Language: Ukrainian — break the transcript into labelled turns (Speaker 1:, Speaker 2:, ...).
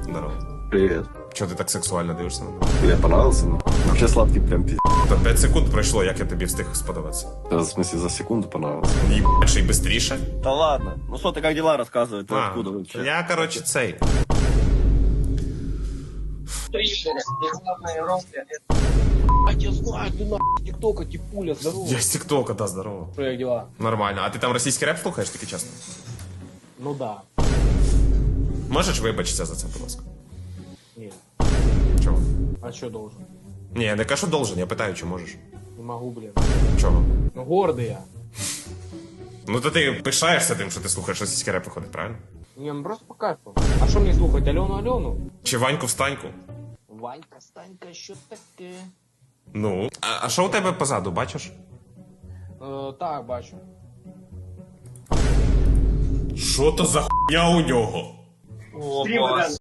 Speaker 1: Здорово.
Speaker 2: Привет.
Speaker 1: Чого ти так сексуально дивишся на мене?
Speaker 2: Тебе понравился? Ну? Вообще сладкий прям пиздец.
Speaker 1: Та 5 секунд пройшло, як я тобі встиг сподобатися.
Speaker 2: В смысле, за секунду понравился.
Speaker 1: Єбать, ще й бистріше?
Speaker 2: Да ладно. Ну что, ты как дела рассказывай? Ты откуда вообще?
Speaker 1: Я, короче, цей.
Speaker 3: А я знаю, ты нахуй тиктока, типуля, здорово.
Speaker 1: Я з тіктока, да, здорово.
Speaker 3: Что, как дела?
Speaker 1: Нормально. А ти там російський реп слухаєш, таки чесно?
Speaker 3: Ну да.
Speaker 1: Можеш вибачитися за це, будь ласка?
Speaker 3: Нет.
Speaker 1: Чого?
Speaker 3: А что должен?
Speaker 1: Ні, я не кажу должен, я питаю, чи можеш.
Speaker 3: Не могу, блин.
Speaker 1: Чого?
Speaker 3: Ну гордый я.
Speaker 1: Ну то ти пишаєшся тим, що ти слухаєш російський реп, виходить, правильно?
Speaker 3: Не, ну просто по кайфу. А что мне слухать, Алену?
Speaker 1: Чи Ваньку встаньку?
Speaker 3: Ванька, Станька, що таке?
Speaker 1: Ну. А що у тебе позаду, бачиш?
Speaker 3: Так, бачу.
Speaker 1: Що то за хуйня у нього?
Speaker 3: О,